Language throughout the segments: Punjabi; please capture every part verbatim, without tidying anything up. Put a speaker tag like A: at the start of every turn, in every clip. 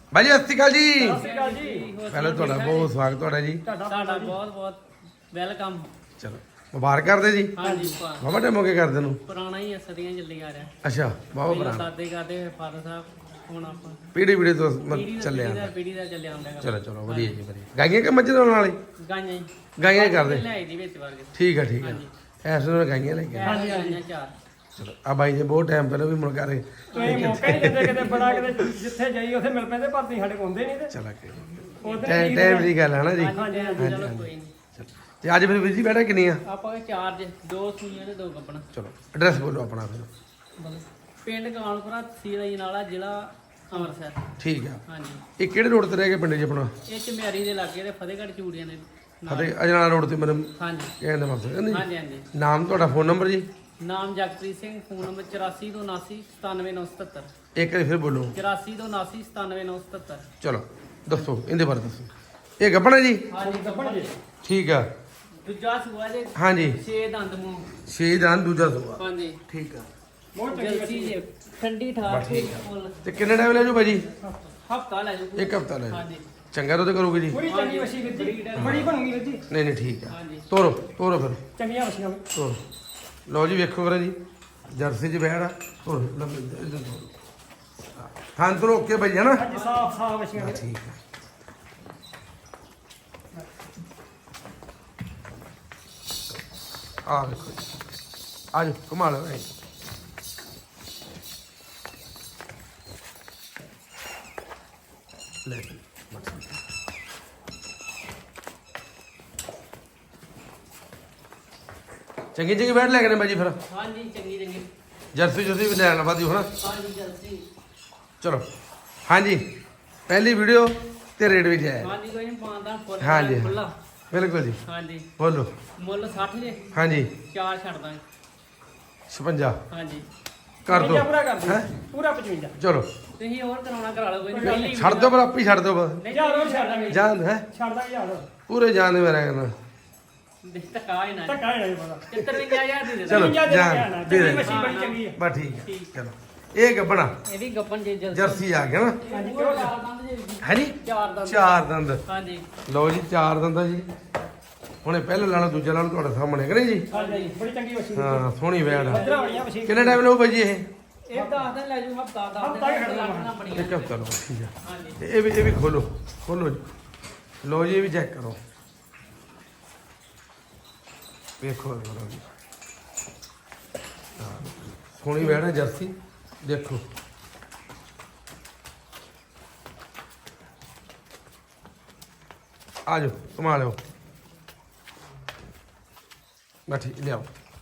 A: ਬਾਈ ਜੀ ਸਤਿ ਸ਼੍ਰੀ ਅਕਾਲ ਜੀ।
B: ਸਤਿ ਸ਼੍ਰੀ ਅਕਾਲ ਜੀ।
A: ਪਹਿਲਾਂ ਤੁਹਾਡਾ ਬਹੁਤ ਸਵਾਗਤ ਤੁਹਾਡਾ ਜੀ।
B: ਤੁਹਾਡਾ ਬਹੁਤ ਬਹੁਤ ਵੈਲਕਮ।
A: ਚਲੋ ਮੁਬਾਰਕ ਕਰਦੇ ਜੀ।
B: ਹਾਂਜੀ
A: ਬਾਬਾ ਟਾਈਮ ਹੋ ਗਿਆ ਕਰਦੇ ਨੂੰ।
B: ਪੁਰਾਣਾ ਹੀ ਸਦੀਆਂ ਚੱਲੀ ਆ ਰਿਹਾ।
A: ਅੱਛਾ ਬਾਬਾ
B: ਪਹਿਲਾਂ
A: ਪੁਰਾਣਾ
B: ਦਾਦੇ ਕਰਦੇ ਫਾਦਰ ਸਾਹਿਬ, ਹੁਣ ਆਪਾਂ
A: ਪੀੜੀ ਪੀੜੀ ਤੋਂ
B: ਪੀੜੀ
A: ਚੱਲਿਆ।
B: ਦਾ ਪੀੜੀ ਦਾ ਚੱਲਿਆ ਆਉਂਦਾ।
A: ਚਲੋ ਚਲੋ ਵਧੀਆ ਜੀ ਵਧੀਆ। ਗਾਈਆਂ ਕਿ ਮੱਝ ਨਾਲ ਵਾਲੇ?
B: ਗਾਈਆਂ ਹੀ
A: ਗਾਈਆਂ ਹੀ ਕਰਦੇ।
B: ਲੈ ਦੀ ਵਿੱਚ ਵਰਗੇ।
A: ਠੀਕ ਆ ਠੀਕ ਆ। ਐਸ ਨੂੰ ਗਾਈਆਂ ਲੈ ਕੇ
B: ਹਾਂਜੀ ਹਾਂਜੀ ਚਾਰ।
A: ਚਲੋ ਆ ਬਾਈ ਜੀ ਬਹੁਤ ਟਾਈਮ ਪਹਿਲਾਂ ਵੀ ਮੁੜ ਕੇ ਰਹੇ।
C: ਤੁਸੀਂ ਮੌਕਾ ਹੀ ਦਿੰਦੇ ਕਿਤੇ ਬੜਾ ਕਿਤੇ ਜਿੱਥੇ ਜਾਈ ਉੱਥੇ ਮਿਲ ਪੈਂਦੇ ਪਰ ਤੁਸੀਂ ਸਾਡੇ ਕੋਲ ਹੁੰਦੇ ਨਹੀਂ ਤੇ
A: ਚਲਾ ਕੇ
C: ਉਧਰ
A: ਟਾਈਮ ਟਾਈਮ ਦੀ ਗੱਲ ਹੈ ਨਾ ਜੀ।
B: ਹਾਂਜੀ ਹਾਂਜੀ ਚਲੋ ਕੋਈ ਨਹੀਂ।
A: ਤੇ ਅੱਜ ਫਿਰ ਵੀਰ ਜੀ ਬੈਠਾ ਕਿੰਨੀ ਆ?
B: ਆਪਾਂ ਚਾਰ ਜੇ ਦੋ ਸੂਈਆਂ ਤੇ ਦੋ ਕੱਪਣਾ।
A: ਚਲੋ ਐਡਰੈਸ ਬੋਲੋ ਆਪਣਾ ਫਿਰ।
B: ਪਿੰਡ ਕਾਨਪੁਰਾ ਤਹਿਸੀਲ ਅਜਨਾਲਾ ਜ਼ਿਲ੍ਹਾ ਅੰਮ੍ਰਿਤਸਰ।
A: ਠੀਕ ਆ।
B: ਹਾਂਜੀ
A: ਇਹ ਕਿਹੜੇ ਰੋਡ ਤੇ ਰਹਿ ਗਏ ਪਿੰਡ ਜੀ ਆਪਣਾ?
B: ਇਹ ਚਮਿਆਰੀ ਦੇ ਲਾਗੇ ਤੇ ਫਤਿਹਗੜ੍ਹ ਚੂੜੀਆਂ ਨੇ ਨਾਲ।
A: ਫਤਿਹ ਅਜਨਾਲਾ ਰੋਡ ਤੇ ਮੈਨੂੰ
B: ਹਾਂਜੀ
A: ਕਹਿੰਦੇ ਮਤਲਬ ਕਹਿੰਦੇ
B: ਹਾਂਜੀ ਹਾਂਜੀ।
A: ਨਾਮ ਤੁਹਾਡਾ ਫੋਨ ਨੰਬਰ ਜੀ?
B: ਨਾਮ ਜਗਪ੍ਰੀਤ ਸਿੰਘ, ਫੋਨ ਨੰਬਰ ਚੁਰਾਸੀ ਦੋ ਉਨਾਸੀ ਸਤਾਨਵੇਂ ਨੌ ਸਤੱਤਰ।
A: ਇੱਕ ਵਾਰੀ ਫਿਰ ਬੋਲੋ।
B: ਚੁਰਾਸੀ ਦੋ ਉਨਾਸੀ ਸਤਾਨਵੇਂ ਨੌ ਸਤੱਤਰ।
A: ਚਲੋ ਦੱਸੋ ਇਹਦੇ ਬਾਰੇ ਦੱਸੋ। ਇਹ ਗੱਬਣਾ ਜੀ?
B: ਹਾਂਜੀ ਗੱਬਣ ਜੀ।
A: ਠੀਕ ਆ।
B: ਦੂਜਾ ਸੂਆ ਜੇ
A: ਹਾਂਜੀ
B: ਛੇ ਦੰਦ ਮੂੰਹ।
A: ਛੇ ਦੰਦ ਦੂਜਾ ਸੂਆ।
B: ਹਾਂਜੀ
A: ਠੀਕ ਆ।
C: ਬਹੁਤ ਚੰਗੀ
B: ਜਲਸੀ ਜੇ ਠੰਡੀ ਠਾਰ ਫੁੱਲ
A: ਤੇ ਕਿੰਨੇ ਟਾਈਮ ਲੈ ਜੂ ਭਾਜੀ?
B: ਹਫਤਾ ਲੈ ਜਾਓ।
A: ਇੱਕ ਹਫਤਾ ਲੈ ਜਾਓ।
B: ਹਾਂਜੀ
A: ਚੰਗਾ ਦੁੱਧ ਕਰੋਗੇ ਜੀ?
C: ਪੂਰੀ ਚੰਗੀ ਵਸੀ ਵੀਰ ਜੀ, ਬੜੀ ਬਣੂਗੀ ਵੀਰ ਜੀ।
A: ਨਹੀਂ ਨਹੀਂ ਠੀਕ ਆ।
B: ਹਾਂਜੀ
A: ਤੋਰੋ ਤੋਰੋ ਫਿਰ
C: ਚੰਗੀਆਂ ਵਸੀਆਂ
A: ਤੋਰੋ। ਲਓ ਜੀ ਵੇਖੋ ਕਰਾ ਜੀ ਜਰਸੀ ਚ ਬੈਠ ਆ। ਤੋਰੋ ਲੰਮੇ ਇਧਰ ਤੋਰੋ। ਹਾਂ ਤੋਰੋ ਓਕੇ ਭਾਈ ਹੈ ਨਾ?
C: ਅੱਜ ਸਾਫ ਸਾਫ ਵਸੀਆਂ ਵੀਰ।
A: ਠੀਕ ਆ। ਆ ਵੇਖੋ ਜੀ। ਆ ਜਾਓ ਘੁਮਾ ਲਓ ਭਾਈ। ਲੈ ਜੀ, ਬਸ। ਚੰਗੀ ਚੰਗੀ ਬੈਠ ਲੈ ਕੇ ਨੇ ਬਾਜੀ ਫਿਰ।
B: ਹਾਂਜੀ ਚੰਗੀ ਚੰਗੀ।
A: ਜਰਸੀ ਜਰਸੀ ਵੀ ਲੈਣ ਵਾਦੀ ਹੋਣਾ।
B: ਹਾਂਜੀ ਜਲਸੀ।
A: ਚਲੋ ਹਾਂਜੀ ਪਹਿਲੀ ਵੀਡੀਓ ਤੇ ਰੇਟ ਵੀ ਜਾਇਆ।
B: ਹਾਂਜੀ ਕੋਈ ਨਹੀਂ ਪਾਉਂਦਾ ਫੁੱਲ
A: ਹਾਂਜੀ।
B: ਖੁੱਲਾ।
A: ਬਿਲਕੁਲ ਜੀ
B: ਹਾਂਜੀ
A: ਬੋਲੋ।
B: ਮੁੱਲ ਸੱਠ ਜੇ
A: ਹਾਂਜੀ
B: ਚਾਰ ਛੱਡ ਦਾਂਗੇ।
A: ਛਪੰਜਾ
B: ਹਾਂਜੀ
A: ਕਰ ਦੋ।
C: ਪਚਵੰਜਾ ਪੂਰਾ ਕਰ ਦਿਓ।
A: ਹੈਂ?
C: ਪੂਰਾ ਪਚਵੰਜਾ।
A: ਚਲੋ
B: ਤੁਸੀਂ ਹੋਰ ਕਰਾਉਣਾ ਕਰਾ ਲਓ ਕੋਈ ਨਹੀਂ। ਪਹਿਲੀ
A: ਛੱਡ ਦੋ ਪਰ ਆਪੀ ਛੱਡ ਦੋ ਬਸ।
C: ਹਜ਼ਾਰ ਹੋਰ ਛੱਡ ਦਾਂਗੇ।
A: ਜਾਨ ਹੈ
C: ਛੱਡ ਦਾਂਗੇ ਹਜ਼ਾਰ ਹੋਰ।
A: ਪੂਰੇ ਜਾਨ ਦੇ ਮੇਰਾ ਕਹਿੰਦਾ।
B: ਧੱਕਾ ਹੀ ਨਾ
C: ਧੱਕਾ ਹੈ ਪਤਾ।
B: ਚੁਰੰਜਾ ਹਜ਼ਾਰ ਦੇ ਦੇ
A: ਚਲੋ
C: ਪਚਵੰਜਾ ਦੇ
A: ਜਾਨ
C: ਕਹਿਣਾ,
A: ਦੇ
C: ਚੰਗੀ
A: ਦੇ।
C: ਵਸੀ ਬੜੀ ਚੰਗੀ ਹੈ।
A: ਬਸ ਠੀਕ ਹੈ ਚਲੋ ਇਹ ਗੱਬਣਾ
B: ਇਹ ਵੀ ਗੱਪਨ ਜੇ ਜਲਸੀ।
A: ਜਰਸੀ ਆ ਗਿਆ ਨਾ।
B: ਹਾਂਜੀ ਚਾਰ ਦੰਦ ਜੇ
A: ਹੈ ਜੀ
B: ਚਾਰ ਦੰਦ।
A: ਚਾਰ ਦੰਦ।
B: ਹਾਂਜੀ
A: ਲਓ ਜੀ ਚਾਰ ਦੰਦ ਆ ਜੀ। ਹੁਣੇ ਪਹਿਲੇ ਲਾਣਾ ਦੂਜਾ ਲਾਣਾ ਤੁਹਾਡੇ ਸਾਹਮਣੇ ਕਰੇ ਜੀ।
C: ਹਾਂਜੀ ਬੜੀ ਚੰਗੀ ਵਸੀ।
A: ਹਾਂ ਸੋਹਣੀ ਵੈੜ ਆ।
C: ਪੱਧਰਾ ਬੜੀਆਂ ਵਸੀ।
A: ਕਿੰਨੇ ਟਾਈਮ ਲਓ ਭਾਈ ਜੀ ਇਹ?
B: ਇਹ ਦਸ ਦਿਨ ਲੈ ਜੂ ਹਫਤਾ ਦਸ
C: ਹਫ਼ਤਾ ਹੀ
B: ਦਿਨ
C: ਖੜਨਾ
B: ਲੱਗਣਾ ਬੜੀਆਂ।
A: ਇੱਕ ਹਫ਼ਤਾ ਲਓ ਠੀਕ ਆ।
B: ਹਾਂਜੀ
A: ਤੇ ਇਹ ਵੀ ਇਹ ਵੀ ਖੋਲੋ ਖੋਲੋ ਜੀ। ਲਓ ਜੀ ਇਹ ਵੀ ਚੈੱਕ ਕਰੋ। ਵੇਖੋ ਕਰੋ ਜੀ। ਹਾਂ ਸੋਹਣੀ ਵੈੜ ਹੈ ਜਰਸੀ ਦੇਖੋ। ਆ ਜਾਓ ਘੁਮਾ ਲਿਓ। ਬੈਠੀ ਲਿਆਓ।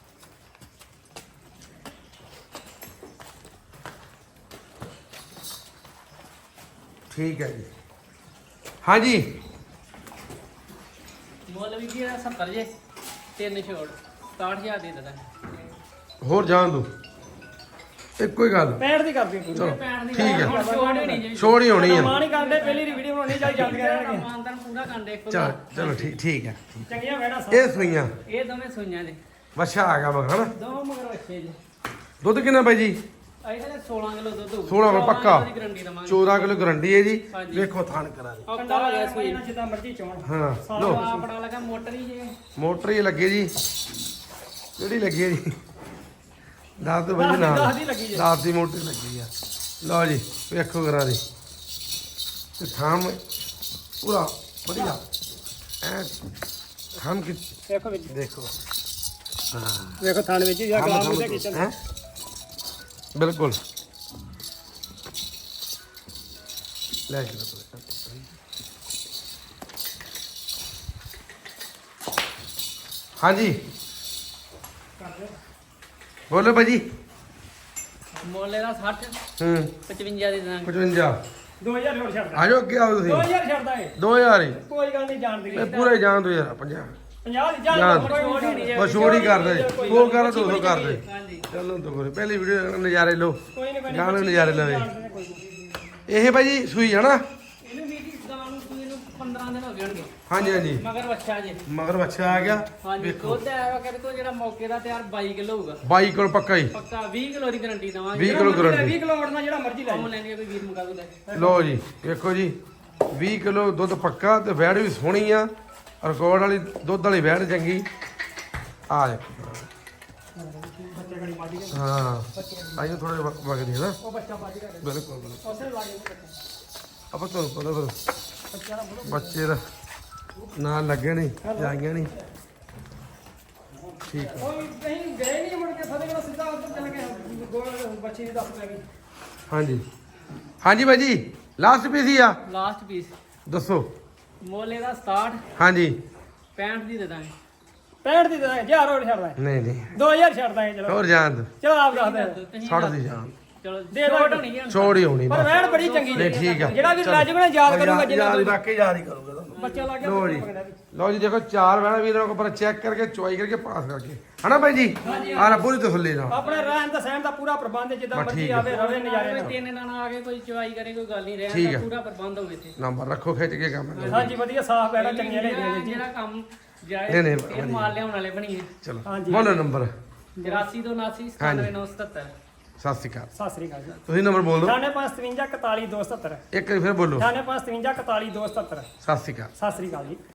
A: ਠੀਕ ਹੈ ਜੀ ਹਾਂਜੀ
B: ਮੁੱਲ ਵੀ ਕੀ ਸੱਤਰ ਜੇ ਤਿੰਨ ਛੋੜ ਸਤਾਹਠ ਹਜ਼ਾਰ ਦੇ ਦੇਣਾ।
A: ਹੋਰ ਜਾਣ ਦੋ ਇੱਕੋ ਹੀ ਗੱਲ।
C: ਪੈਂਹਠ ਦੀ ਕਰ ਦਿਓ ਪੂਰੀ।
A: ਚਲੋ
B: ਪੈਣ ਦੀ
A: ਠੀਕ ਹੈ।
B: ਹੁਣ ਛੋੜ ਹੋਣੀ ਜੇ।
A: ਛੋੜ ਹੀ ਹੋਣੀ ਆ।
C: ਮਾਂ ਨਹੀਂ ਕਰਦੇ ਪਹਿਲੀ ਵੀਡੀਓ ਬਣਾਉਣੀ ਚਾਹੀ ਜਾਂਦੀਆਂ ਰਹਿਣਗੀਆਂ।
B: ਮਾਨਦਾਨ ਪੂਰਾ ਕਰਦੇ ਇੱਕ
A: ਚਲ ਚਲੋ ਠੀਕ ਠੀਕ ਹੈ।
C: ਚੰਗੀਆਂ ਵੈੜਾਂ ਸਾਫ।
A: ਇਹ ਸੂਈਆਂ
B: ਇਹ ਦੋਵੇਂ ਸੂਈਆਂ ਜੇ
A: ਵਛਾ ਆ ਗਿਆ ਵਾ ਹਨਾ।
B: ਦੋ ਮਗਰ ਬੱਚੇ ਜੇ।
A: ਦੁੱਧ ਕਿੰਨਾ ਬਾਈ ਜੀ?
B: ਇਹਦੇ ਸੋਲਾਂ ਕਿਲੋ ਦੁੱਧ ਹੋਊ।
A: ਸੋਲਾਂ ਕਿਲੋ ਪੱਕਾ।
B: ਦੀ ਗਰੰਟੀ ਦਵਾਂਗੇ।
A: ਚੌਦਾਂ ਕਿਲੋ ਗਰੰਟੀ ਹੈ ਜੀ।
B: ਹਾਂਜੀ।
A: ਵੇਖੋ ਥਾਣ ਕਰਾ ਦੇ।
C: ਕੰਡਾ ਲਾ ਗਿਆ ਸੂਈ ਨਾਲ ਜਿੱਦਾਂ ਮਰਜ਼ੀ ਚੋਣ।
A: ਹਾਂ
C: ਸਾਰਾ
A: ਲੋ
B: ਆ ਬੜਾ ਲੱਗਾ ਮੋਟਰ ਹੀ ਜੇ।
A: ਮੋਟਰ ਹੀ ਲੱਗੇ ਜੀ। ਕਿਹੜੀ ਲੱਗੀ ਹੈ ਜੀ? ਦਸ ਤੋਂ ਵਜੇ ਨਾਲ
C: ਦਸ ਦੀ ਲੱਗੀ ਜੀ।
A: ਦਸ ਦੀ ਮੋਟਰ ਲੱਗੀ ਆ। ਲਓ ਜੀ ਵੇਖੋ ਕਰਾ ਦੇ। ਤੇ ਥਾਮ ਪੂਰਾ ਵਧੀਆ ਐ ਥਾਮ ਕਿ
C: ਦੇਖੋ ਵਿੱਚ
A: ਦੇਖੋ। ਹਾਂ
C: ਵੇਖੋ ਥਾਣ ਵਿੱਚ ਜਾਂ ਗਲਾਸ ਵਿੱਚ ਕਿਚਨ।
A: ਹੈ ਬਿਲਕੁਲ ਲੈ ਕੇ ਹਾਂਜੀ ਬੋਲੋ ਭਾਜੀ।
B: ਮੁੱਲ ਇਹਦਾ ਸੱਠ
A: ਹੂੰ
B: ਪਚਵੰਜਾ ਦੀ ਦਾਂਗੇ।
A: ਪਚਵੰਜਾ
C: ਦੋ ਹਜ਼ਾਰ ਹੋਰ ਛੱਡਦਾ।
A: ਆ ਜਾਓ ਅੱਗੇ ਆਓ ਤੁਸੀਂ।
C: ਦੋ ਹਜ਼ਾਰ ਛੱਡਦਾ ਏ।
A: ਦੋ ਹਜ਼ਾਰ ਹੀ
C: ਕੋਈ ਗੱਲ ਨਹੀਂ ਜਾਣਦੀ।
A: ਇਹ ਪੂਰੇ ਜਾਣ ਦੋ ਯਾਰ ਪੰਜਾਹ
C: ਪੰਜਾਹ ਦੀ
A: ਜਾਣ।
C: ਜਾਣ ਕੋਈ ਨਹੀਂ ਜੇ।
A: ਬਸ ਛੋੜ ਹੀ ਕਰਦੇ ਦੋ ਕਰ ਦੋ ਸੌ ਕਰਦੇ।
B: ਹਾਂਜੀ
A: ਚਲੋ ਦੋ ਕਰੇ ਪਹਿਲੀ ਵੀਡੀਓ ਨਜ਼ਾਰੇ ਲਓ।
C: ਕੋਈ ਨਹੀਂ ਕੋਈ ਨਹੀਂ।
A: ਗਾਣੇ ਨਜ਼ਾਰੇ ਲਵੇ।
C: ਜਾਣਦੇ ਨੇ ਕੋਈ ਨਹੀਂ।
A: ਇਹ ਭਾਜੀ ਸੂਈ ਹੈ ਨਾ?
B: ਇਹਨੂੰ ਵੀ ਗਾਂ ਨੂੰ ਸੂਈ ਨੂੰ ਪੰਦਰਾਂ ਦਿਨ ਹੋ ਗਏ ਹੋਣਗੇ।
A: ਹਾਂਜੀ ਹਾਂਜੀ
B: ਮਗਰ ਬੱਚਾ ਜੇ
A: ਮਗਰ ਬੱਚਾ ਆ ਗਿਆ
B: ਹਾਂਜੀ
A: ਵੇਖੋ
B: ਦੁੱਧ ਆਇਆ ਕਹਿੰਦੇ ਕੋ ਜਿਹੜਾ ਮੌਕੇ ਦਾ ਤਿਆਰ ਬਾਈ ਕਿਲੋ ਹੋਊਗਾ
A: ਬਾਈ ਕਿਲੋ ਪੱਕਾ ਹੀ
B: ਪੱਕਾ ਵੀਹ ਕਿਲੋ ਦੀ ਗਾਰੰਟੀ ਦਵਾਂਗੇ
A: ਵੀਹ ਕਿਲੋ
C: ਵੀਹ
A: ਗਰੰਟੀ
C: ਕਿਲੋ ਵੜਨਾ ਜਿਹੜਾ ਮਰਜ਼ੀ ਲੈ
B: ਕੰਮ ਲੈਣੀ ਆ ਕੋਈ ਵੀਰ ਮੁਕਾ ਦੋ ਲੈ
A: ਲਓ ਜੀ ਵੇਖੋ ਜੀ ਵੀਹ ਕਿਲੋ ਦੁੱਧ ਪੱਕਾ ਤੇ ਵੈੜ ਵੀ ਸੋਹਣੀ ਆ ਰਿਕਾਰਡ ਵਾਲੀ ਦੁੱਧ ਵਾਲੀ ਵੈੜ ਚੰਗੀ ਆ ਜਾ
C: ਬੱਚੇ ਗੜੀ ਮਾਡੀ ਦੇ
A: ਹਾਂ ਆਈਓ ਥੋੜੇ ਵਗਦੀ ਹੈ ਨਾ
C: ਉਹ ਬੱਚਾ ਬਾਜੀ ਕਰ
A: ਬਿਲਕੁਲ ਬਿਲਕੁਲ
C: ਉਸੇ ਲਾਗੇ ਬੱਚਾ
A: ਆਪਾਂ ਤੁਹਾਨੂੰ ਪਤਾ ਫਿਰ
C: ਬੱਚਾ ਦਾ ਬੋਲੋ
A: ਬੱਚੇ ਦਾ ਨਾਲ ਲੱਗੇ ਨਹੀਂ ਜਾਈਆਂ ਨਹੀਂ ਠੀਕ ਆ
C: ਉਹ ਕਹੀਂ ਗਏ ਨਹੀਂ ਮੁੜ ਕੇ ਫਤਿਹਗੜ੍ਹ ਸਿੱਧਾ ਉੱਧਰ ਚਲੇ ਗਏ ਗੋਲ ਬੱਚੇ ਦੀ ਦੱਸ ਪੈ ਗਈ
A: ਹਾਂਜੀ ਹਾਂਜੀ ਬਾਈ ਜੀ ਲਾਸਟ ਪੀਸ ਹੀ ਆ
B: ਲਾਸਟ ਪੀਸ
A: ਦੱਸੋ
B: ਮੋਲੇ ਦਾ ਸਤਾਹਠ
A: ਹਾਂਜੀ
B: ਪੈਂਹਠ ਦੀ ਦੇ ਦਾਂਗੇ
C: ਪੈਂਹਠ ਦੀ ਦੇ ਹਜ਼ਾਰ ਹੋਰ ਛੱਡ ਦਾਂਗੇ
A: ਨਹੀਂ ਨਹੀਂ
C: ਦੋ ਹਜ਼ਾਰ ਛੱਡ ਦਾਂਗੇ ਚਲੋ
A: ਹੋਰ ਜਾਣ ਦੋ
C: ਚਲੋ ਆਪ ਦੱਸ ਦੇ
B: ਤੁਸੀਂ
A: ਛੱਡ ਦੀ ਜਾਣ
B: ਚਲੋ
C: ਦੇ
B: ਛੋਟ
C: ਦਾਂਗੇ।
B: ਹੋਣੀ ਹੈ
A: ਛੋੜ ਹੀ ਹੋਣੀ
C: ਪਰ
A: ਬਸ
C: ਵੈਣ ਬੜੀ ਚੰਗੀ
A: ਨਹੀਂ ਠੀਕ ਆ
C: ਜਿਹੜਾ ਵੀ ਰਾਜ ਬਣਾ ਯਾਦ ਕਰੂਗਾ ਜਿੰਨਾ
A: ਯਾਦ ਵਾਕਈ ਯਾਦ ਹੀ ਕਰੂਗਾ ਤੁਹਾਨੂੰ
C: ਬੱਚਾ ਲੱਗ ਗਿਆ
A: ਲਓ ਜੀ
C: ਪਕੜਿਆ ਵੀ।
A: ਲਓ ਜੀ ਦੇਖੋ ਚਾਰ ਵੈਣਾ ਵੀਰਾਂ ਕੋਲ ਪਰ ਚੈੱਕ ਕਰਕੇ ਚੁਆਈ ਕਰਕੇ ਪਾਸ ਕਰਕੇ ਹਨਾ ਬਾਈ ਜੀ ਆਹ ਨਾ ਪੂਰੀ ਤਸੱਲੀ ਨਾਲ
C: ਆਪਣੇ ਰਹਿਣ ਦਾ ਸਹਿਣ ਦਾ ਪੂਰਾ ਪ੍ਰਬੰਧ ਹੈ, ਜਿੱਦਾਂ
A: ਬਸ
C: ਮਰਜ਼ੀ
A: ਠੀਕ ਹੈ।
C: ਆਵੇ ਰਵੇ ਨਜ਼ਾਰੇ
B: ਕੋਈ
C: ਨਾਲ
B: ਤਿੰਨ ਦਿਨ ਆ ਕੇ ਕੋਈ ਚਵਾਈ ਕਰੇ ਕੋਈ ਗੱਲ ਨਹੀਂ
A: ਠੀਕ
B: ਰਹਿਣ
A: ਹੈ।
B: ਦਾ ਪੂਰਾ ਪ੍ਰਬੰਧ ਹੋਵੇ ਤੇ
A: ਨੰਬਰ ਰੱਖੋ ਖਿੱਚ ਕੇ ਕੰਮ ਕਰੋ।
C: ਹਾਂਜੀ ਵਧੀਆ ਸਾਫ਼ ਬੈਣਾ ਚੰਗੀਆਂ ਲੈ
B: ਜਿਹੜਾ-
C: ਜੀ
B: ਜਿਹੜਾ ਕੰਮ ਜਾਏ
A: ਨਹੀਂ, ਨਹੀਂ,
B: ਇਹ ਮਾਲ ਲਿਆਉਣ ਵਾਲੇ ਬਣੀਏ
A: ਚਲੋ
C: ਹਾਂਜੀ।
A: ਬੋਲੋ ਨੰਬਰ
B: ਚੁਰਾਸੀ ਦੋ ਉਨਾਸੀ ਸਤਾਨਵੇਂ ਨੌ ਸਤੱਤਰ
A: ਸਤਿ ਸ਼੍ਰੀ ਅਕਾਲ
C: ਸਤਿ ਸ੍ਰੀ ਅਕਾਲ ਜੀ
A: ਤੁਸੀਂ ਨੰਬਰ ਬੋਲ ਦਿਓ
C: ਅਠਾਨਵੇਂ ਪੰਜ ਸਤਵੰਜਾ ਇਕਤਾਲੀ ਦੋ ਸੌ ਸੱਤਰ
A: ਇੱਕ ਵਾਰੀ ਫਿਰ ਬੋਲੋ
C: ਅਠਾਨਵੇਂ ਪੰਜ ਸਤਵੰਜਾ ਇਕਤਾਲੀ ਦੋ ਸੌ ਸੱਤਰ
A: ਸਤਿ ਸ਼੍ਰੀ ਅਕਾਲ
C: ਸਤਿ ਸ੍ਰੀ ਅਕਾਲ ਜੀ